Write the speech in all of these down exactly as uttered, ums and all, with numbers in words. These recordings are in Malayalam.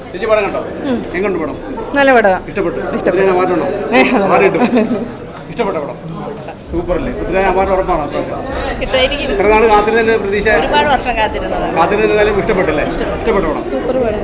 ചേച്ചി പടം കണ്ടോ? എങ്ങോട്ട് പടം? നല്ല പടം. ഇഷ്ടപ്പെട്ടു? ഇഷ്ടപ്പെട്ടു. മാറ്റണോ? ഇഷ്ടപ്പെട്ട പടം സൂപ്പറല്ലേ? അവാർഡ് ഉറപ്പാണോ? എത്ര നാൾ കാത്തിരുന്നതിന്റെ പ്രതീക്ഷ? ഒരുപാട് വർഷം കാത്തിരുന്നത്. കാത്തിരുന്നാലും ഇഷ്ടപ്പെട്ടില്ലേ? ഇഷ്ടപ്പെട്ട പടം സൂപ്പർ പടം.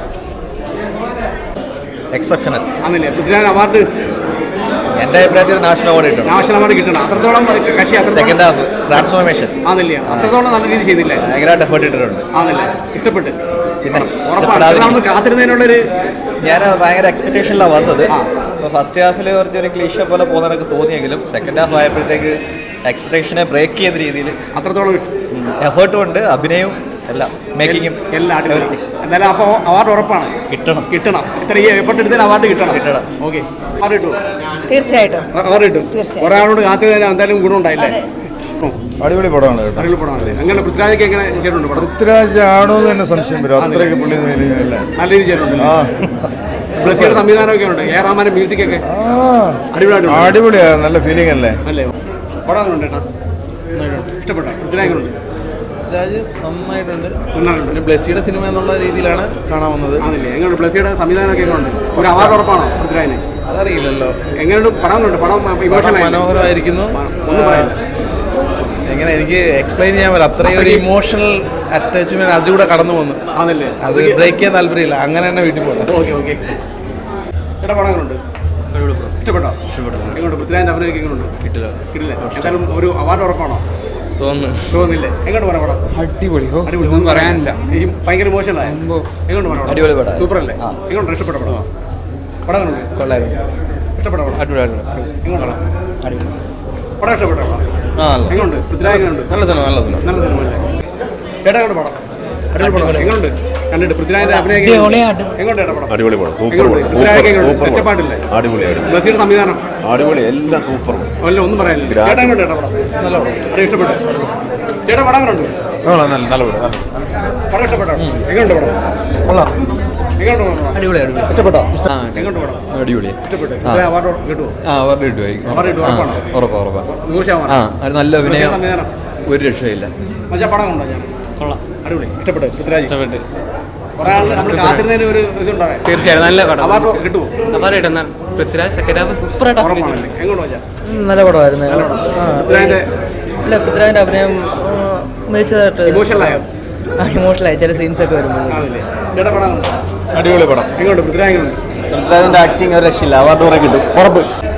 എക്സെപ്ഷണൽ ആണല്ലേ? പൃഥ്വിരാജ് അവാർഡ് എൻ്റെ അഭിപ്രായത്തിൽ നാഷണൽ അവാർഡ് കിട്ടും. നാഷണൽ അവാർഡ് കിട്ടണം. അത്രത്തോളം കക്ഷി സെക്കൻഡ് ഹാഫ് ട്രാൻസ്ഫോർമേഷൻ ആണല്ലേ? അത്രത്തോളം നല്ല രീതി ചെയ്തില്ലേ? ഭയങ്കരമായിട്ട് എഫേർട്ട് ഇട്ടിട്ടുണ്ട്. ആണല്ലേ? ഇഷ്ടപ്പെട്ട് പിന്നെ ഉറപ്പാണ് കാത്തിരുന്നതിനുള്ളൊരു ഞാൻ ഭയങ്കര എക്സ്പെക്ടേഷനിലാണ് വന്നത്. അപ്പോൾ ഫസ്റ്റ് ഹാഫിൽ കുറച്ചൊരു ക്ലീഷ പോലെ പോകുന്നതൊക്കെ തോന്നിയെങ്കിലും സെക്കൻഡ് ഹാഫ് ആയപ്പോഴത്തേക്ക് എക്സ്പെക്ടേഷനെ ബ്രേക്ക് ചെയ്യുന്ന രീതിയിൽ അത്രത്തോളം എഫേർട്ടും ഉണ്ട്, അഭിനയവും എല്ലാം, മേക്കിങ്ങും എല്ലാം അടിപൊളി. എന്തായാലും അപ്പോൾ അവാർഡ് ഉറപ്പാണ് കിട്ടണം. കിട്ടണം ഇത്രയും എഫേർട്ട് എടുത്തതിന് അവാർഡ് കിട്ടണം. കിട്ടണം. ഓക്കെ, അവാർഡ് കിട്ടുമോ? തീർച്ചയായിട്ടും അവാർഡ് കിട്ടും. കുറെ ആളോട് കാത്തിരുന്നതിന് എന്തായാലും ഗുണം ഉണ്ടായില്ലേ? അടിപൊളി പടമാണ് കേട്ടോ. അടിപൊളി പടമാണല്ലേ? അങ്ങനെ പൃഥ്വിരാജൊക്കെ എങ്ങനെ ചെയ്തിട്ടുണ്ട്? പൃഥ്വിരാജ് ആണോ എന്ന് തന്നെ സംശയം വരും. അത്രയ്ക്ക് പുള്ളി നല്ല രീതി ചെയ്തിട്ടുണ്ട്. ബ്ലസ്സിയുടെ സംവിധാനമൊക്കെ ഉണ്ട്. എ റഹ്മാന്റെ മ്യൂസിക് ഒക്കെ അടിപൊളിയായിട്ടുണ്ട്. അടിപൊളിയാ, നല്ല ഫീലിംഗ് അല്ലേ? അല്ലേ? പടം അങ്ങനെ ഉണ്ട്. ഇഷ്ടപ്പെട്ട പൃഥ്വിരാജ് ഉണ്ട്. പൃഥ്വിരാജ് നന്നായിട്ടുണ്ട്. പിന്നെ ബ്ലസ്സിയുടെ സിനിമ എന്നുള്ള രീതിയിലാണ് കാണാൻ വന്നത്. ആണല്ലേ? എങ്ങനെയുണ്ട് ബ്ലസ്സിയുടെ സംവിധാനമൊക്കെ ഉണ്ട്? ഒരു അവാർഡ് ഉറപ്പാണോ പൃഥ്വിരാജിന്? അതറിയില്ലല്ലോ. എങ്ങനെയുണ്ട് പടം? ഉണ്ട് പടം മനോഹരമായിരിക്കുന്നു. എങ്ങനെ എനിക്ക് എക്സ്പ്ലെയിൻ ചെയ്യാൻ പറ്റില്ല. അത്രയും ഒരു ഇമോഷണൽ അറ്റാച്ച്മെന്റ് അതിലൂടെ കടന്നു പോകുന്നു. ആണല്ലേ? അത് ബ്രേക്ക് ചെയ്യാൻ താല്പര്യമില്ല. അങ്ങനെ തന്നെ വീട്ടിൽ പോകുന്നത്. Okay okay. ചേട്ടാ പടങ്ങളുണ്ട്. ഇഷ്ടപ്പെട്ടോ? ഇഷ്ടപ്പെട്ടു. എങ്ങോട്ട് പൃഥ്വിരാജിന്റെ അഭിനയം എങ്ങനെയുണ്ട്? കിട്ടില്ല. കിട്ടില്ല. എന്തായാലും ഒരു അവാർഡ് ഉറപ്പാണോ? തോന്നുന്നു. തോന്നുന്നില്ലേ? എങ്ങോട്ട് പറയാം പടം? അടിപൊളി. അടിപൊളി ഒന്നും പറയാനില്ല. ഭയങ്കര ഇമോഷണലായ എങ്ങോട്ട് പറയാം? അടിപൊളി പടം. സൂപ്പർ അല്ലേ? എങ്ങോട്ട് ഇഷ്ടപ്പെട്ട പടം? പടങ്ങളുണ്ട്. കൊള്ളായിരുന്നു. ഇഷ്ടപ്പെട്ട പടം? അടിപൊളി. എങ്ങോട്ടാണ് അടിപൊളി പടം? ഇഷ്ടപ്പെട്ട പടം എങ്ങോട്ട്? പൃഥ്വിരാജ് എങ്ങനെയുണ്ട്? നല്ല സിനിമ. നല്ല സിനിമ. നല്ല സിനിമ അല്ലേ? ചേട്ടാ എങ്ങോട്ട് പടം? അടിപൊളി പടം. എങ്ങോട്ട് കണ്ടിട്ട് പൃഥ്വിരാജിന്റെ അഭിനയം എങ്ങോട്ട് ചേട്ടാ പടം? അടിപൊളി പടം. സൂപ്പർ പടം. പൃഥ്വിരാജ് എങ്ങനെയുണ്ട്? സെറ്റപ്പാട്ടില്ലേ? അടിപൊളി അടിപൊളി. ബ്ലസ്സിയുടെ സംവിധാനം അടിപൊളി. എല്ലാം സൂപ്പർ. അല്ല ഒന്നും പറയാനില്ല. ചേട്ടാ എങ്ങോട്ട് ചേട്ടാ പടം? നല്ല പടം. അത് ഇഷ്ടപ്പെട്ടു. ചേട്ടാ പടം എങ്ങനെയുണ്ട്? നല്ല നല്ല പടം. പടം ഇഷ്ടപ്പെട്ടോ? എങ്ങോട്ട് പടം? കൊള്ളാം. എങ്ങോട്ട് പടം? അടിപൊളി. അടിപൊളി. ഇഷ്ടപ്പെട്ടോ? എങ്ങോട്ട് പടം? അടിപൊളി. ഇഷ്ടപ്പെട്ടു. അവാർഡ് കിട്ടുമോ? ആ അവാർഡ് കിട്ടുമായിരിക്കും. അവാർഡ് കിട്ടും. ഉറപ്പാണോ? ഉറപ്പാ ഉറപ്പാ. നൂറ് ശതമാനം. ആ അത് നല്ല അഭിനയം. സംവിധാനം ഒരു രക്ഷയില്ല. മച്ചാ പടം കൊണ്ടോ? ഞാൻ കൊള്ളാം. അടിപൊളി. ഇഷ്ടപ്പെട്ടു. പൃഥ്വിരാജ് ഇഷ്ടപ്പെട്ടു. കുറെ ആൾ നമ്മൾ കാത്തിരുന്നതിന് ഒരു ഇതുണ്ടാവേ. തീർച്ചയായും നല്ല പടം. അവാർഡ് കിട്ടുമോ? അവാർഡ് കിട്ടുന്ന പൃഥ്വിരാജ് സെക്കൻഡ് ഹാഫ് സൂപ്പറായിട്ട് അഭിനയിച്ചിട്ടുണ്ട്. എങ്ങോട്ട് വെച്ചാ? നല്ല പടമായിരുന്നു. പൃഥ്വിരാജിന്റെ അല്ല പൃഥ്വിരാജിന്റെ അഭിനയം മികച്ചതായിട്ട് ഇമോഷണലായോ? ഇമോഷണലായി ചില സീൻസ് ഒക്കെ വരുമ്പോൾ. ആണല്ലേ? ചേട്ടാ പടം അടിപൊളി പടം. എങ്ങോട്ട്? പൃഥ്വിരാജ് എങ്ങോട്ട്? പൃഥ്വിരാജിന്റെ ആക്ടിങ് ഒരു രക്ഷയില്ല. അവാർഡ് കുറെ കിട്ടും. ഉറപ്പ്.